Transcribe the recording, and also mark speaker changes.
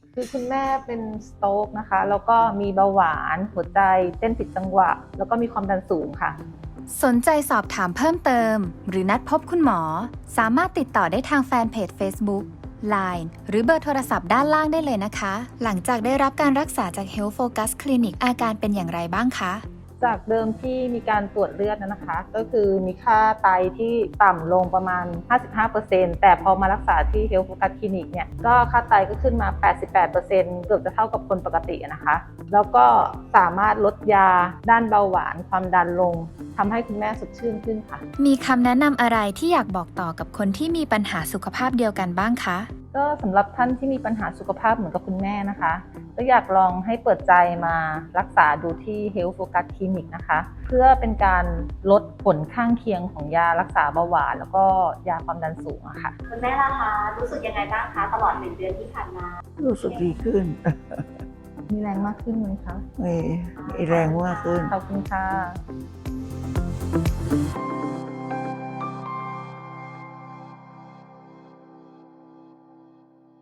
Speaker 1: คือคุณแม่เป็นสโตรกนะคะ แล้วก็มีเบาหวานหัวใจเต้นผิดจังหวะ แล้วก็มีความดันสูงค่ะ
Speaker 2: สนใจสอบถามเพิ่มเติม หรือนัดพบคุณหมอ สามารถติดต่อได้ทางแฟนเพจ Facebook LINE หรือเบอร์โทรศัพท์ด้านล่างได้เลยนะคะ หลังจากได้รับการรักษาจาก Health Focus Clinic อาการเป็นอย่างไรบ้างคะ
Speaker 1: จากเดิมที่มีการตรวจเลือดนะคะ ก็คือมีค่าไตที่ต่ำลงประมาณ 55% แต่พอมารักษาที่ Health Focus Clinic เนี่ยก็ค่าไตก็ขึ้นมา 88% เกือบจะเท่ากับคนปกตินะคะ แล้วก็สามารถลดยาด้านเบาหวานความดันลงทำให้คุณแม่สดชื่นขึ้นค่ะ
Speaker 2: มีคำแนะนำอะไรที่อยากบอกต่อกับคนที่มีปัญหาสุขภาพเดียวกันบ้างคะ
Speaker 1: ก็สำหรับท่านที่มีปัญหาสุขภาพเหมือนกับคุณแม่นะคะก็อยากลองให้เปิดใจมารักษาดูที่ Health Focus Clinic นะคะเพื่อเป็นการลดผลข้างเคียงของยารักษาเบาหวานแล้วก็ยาความดันสูงอะค่ะ
Speaker 3: คุณแม่ล่ะคะรู้สึกยังไงบ้างคะตลอด1 เดือนที่ผ่านมา
Speaker 4: รู้สึกดีขึ้น
Speaker 1: มีแรงมากขึ้นไหมคะ
Speaker 4: มีแรงมากขึ้น
Speaker 1: ขอบคุณค่ะ